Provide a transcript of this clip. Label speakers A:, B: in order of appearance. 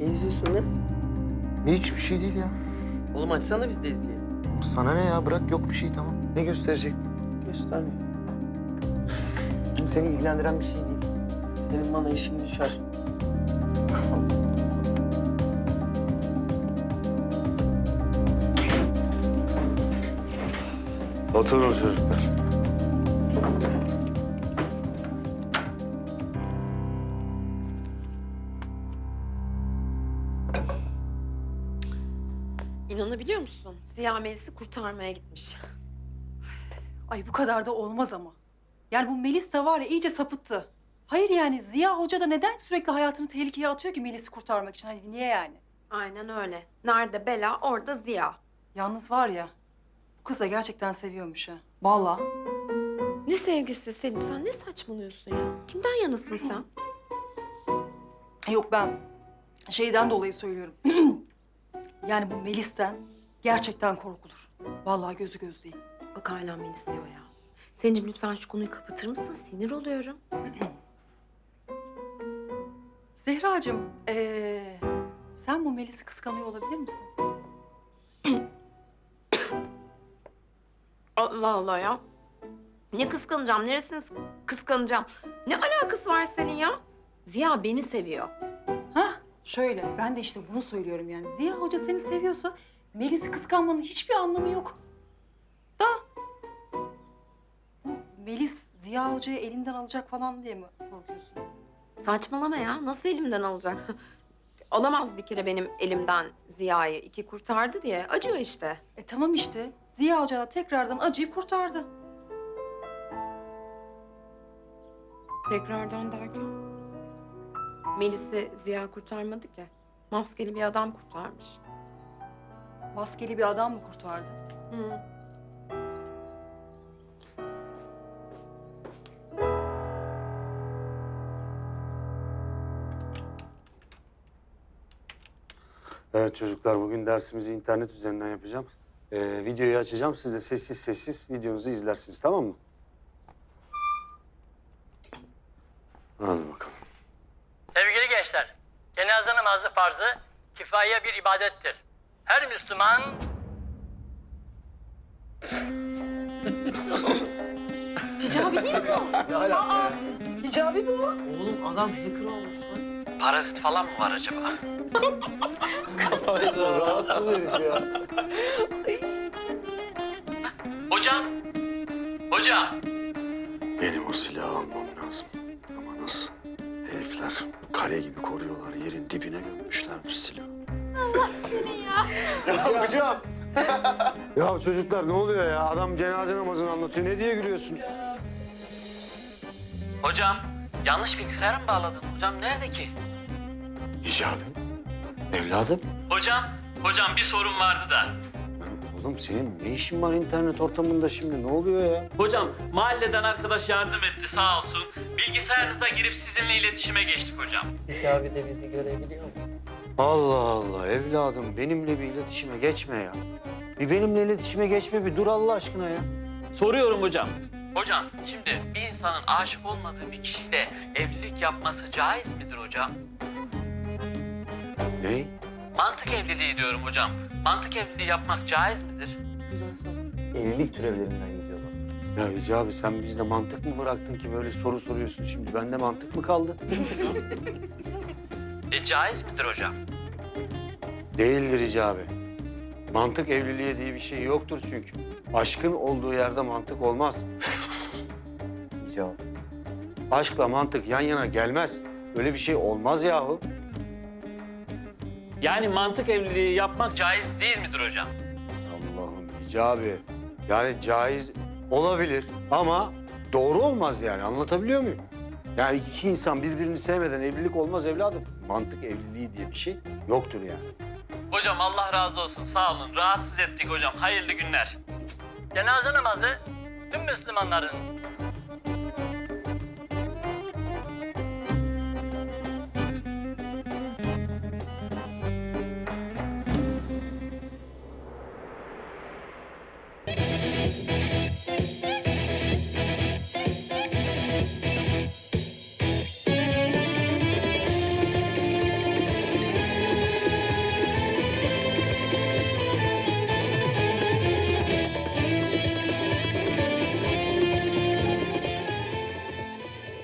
A: Ne izliyorsun lan?
B: Hiçbir şey değil ya.
A: Oğlum açsana biz de izleyelim.
B: Sana ne ya? Bırak, yok bir şey, tamam. Ne gösterecektin?
A: Göstermiyor.
B: Seni ilgilendiren bir şey değil.
A: Senin bana işin düşer.
B: Oturun çocuklar.
C: İnanabiliyor musun? Ziya Melis'i kurtarmaya gitmiş.
D: Ay bu kadar da olmaz ama. Yani bu Melis de var ya iyice sapıttı. Hayır yani Ziya Hoca da neden sürekli hayatını tehlikeye atıyor ki Melis'i kurtarmak için? Hani niye yani?
C: Aynen öyle. Nerede bela, orada Ziya.
D: Yalnız var ya bu kız da gerçekten seviyormuş ha. Vallahi.
C: Ne sevgisi Selin, sen ne saçmalıyorsun ya? Kimden yanasın sen?
D: Yok ben şeyden dolayı söylüyorum. Yani bu Melis'ten gerçekten korkulur. Vallahi gözü göz değil.
C: Bak hala Melis diyor ya. Selin'cim lütfen şu konuyu kapatır mısın? Sinir oluyorum.
D: Zehracığım, sen bu Melis'i kıskanıyor olabilir misin?
C: Allah Allah ya. Ne kıskanacağım, neresini kıskanacağım? Ne alakası var senin ya? Ziya beni seviyor.
D: Hah, şöyle. Ben de işte bunu söylüyorum yani. Ziya Hoca seni seviyorsa Melis'i kıskanmanın hiçbir anlamı yok. Da bu Melis Ziya Hoca'yı elinden alacak falan diye mi korkuyorsun?
C: Saçmalama ya. Nasıl elimden alacak? Alamaz bir kere benim elimden Ziya'yı. İki kurtardı diye. Acıyor işte.
D: Tamam işte. Ziya Hoca da tekrardan acıyı kurtardı.
C: Tekrardan derken? Melis'i Ziya kurtarmadı ki. Maskeli bir adam kurtarmış.
D: Maskeli bir adam mı kurtardı?
C: Hı.
B: Evet çocuklar, bugün dersimizi internet üzerinden yapacağım. Videoyu açacağım, siz de sessiz sessiz videonuzu izlersiniz, tamam mı? Hadi bakalım.
E: Sevgili gençler, cenaze namazı farzı kifaye bir ibadettir. Her Müslüman
C: Hicabi değil mi bu?
D: Hicabi bu.
A: Oğlum adam hacker olmuş lan.
E: parazit falan mı var acaba?
B: Rahatsız herif ya.
E: Hocam, hocam.
B: Benim o silahı almam lazım. Ama nasıl? Herifler kale gibi koruyorlar. Yerin dibine gömmüşlerdir silahı. Allah seni ya. Hocam. Ya çocuklar ne oluyor ya? Adam cenaze namazını anlatıyor. Ne diye gülüyorsunuz?
E: Hocam, yanlış bilgisayara mı bağladın? Hocam nerede ki?
B: Hicabi. Evladım.
E: Hocam bir sorun vardı da.
B: Oğlum senin ne işin var internet ortamında şimdi? Ne oluyor ya?
E: Hocam, mahalleden arkadaş yardım etti sağ olsun. Bilgisayarınıza girip sizinle iletişime geçtik hocam.
A: Hicabi de bizi görebiliyor mu?
B: Allah Allah evladım benimle bir iletişime geçme ya. Bir benimle iletişime geçme, bir dur Allah aşkına ya.
E: Soruyorum hocam. Hocam, şimdi bir insanın aşık olmadığı bir kişiyle evlilik yapması caiz midir hocam?
B: Ne?
E: Mantık evliliği diyorum hocam. Mantık evliliği yapmak caiz midir?
A: Güzel soru.
F: Evlilik türevlerinden gidiyor bak.
B: Ya Hicabi sen bizde mantık mı bıraktın ki böyle soru soruyorsun şimdi? Bende mantık mı kaldı?
E: Caiz midir hocam?
B: Değildir Hicabi. Mantık evliliğe diye bir şey yoktur çünkü. Aşkın olduğu yerde mantık olmaz.
F: İcab.
B: Aşkla mantık yan yana gelmez. Öyle bir şey olmaz yahu.
E: Yani mantık evliliği yapmak caiz değil midir hocam?
B: Allah'ım Hicabi. Yani caiz olabilir ama doğru olmaz yani. Anlatabiliyor muyum? Yani iki insan birbirini sevmeden evlilik olmaz evladım. Mantık evliliği diye bir şey yoktur yani.
E: Hocam Allah razı olsun sağ olun. Rahatsız ettik hocam. Hayırlı günler. Cenaze namazı tüm Müslümanların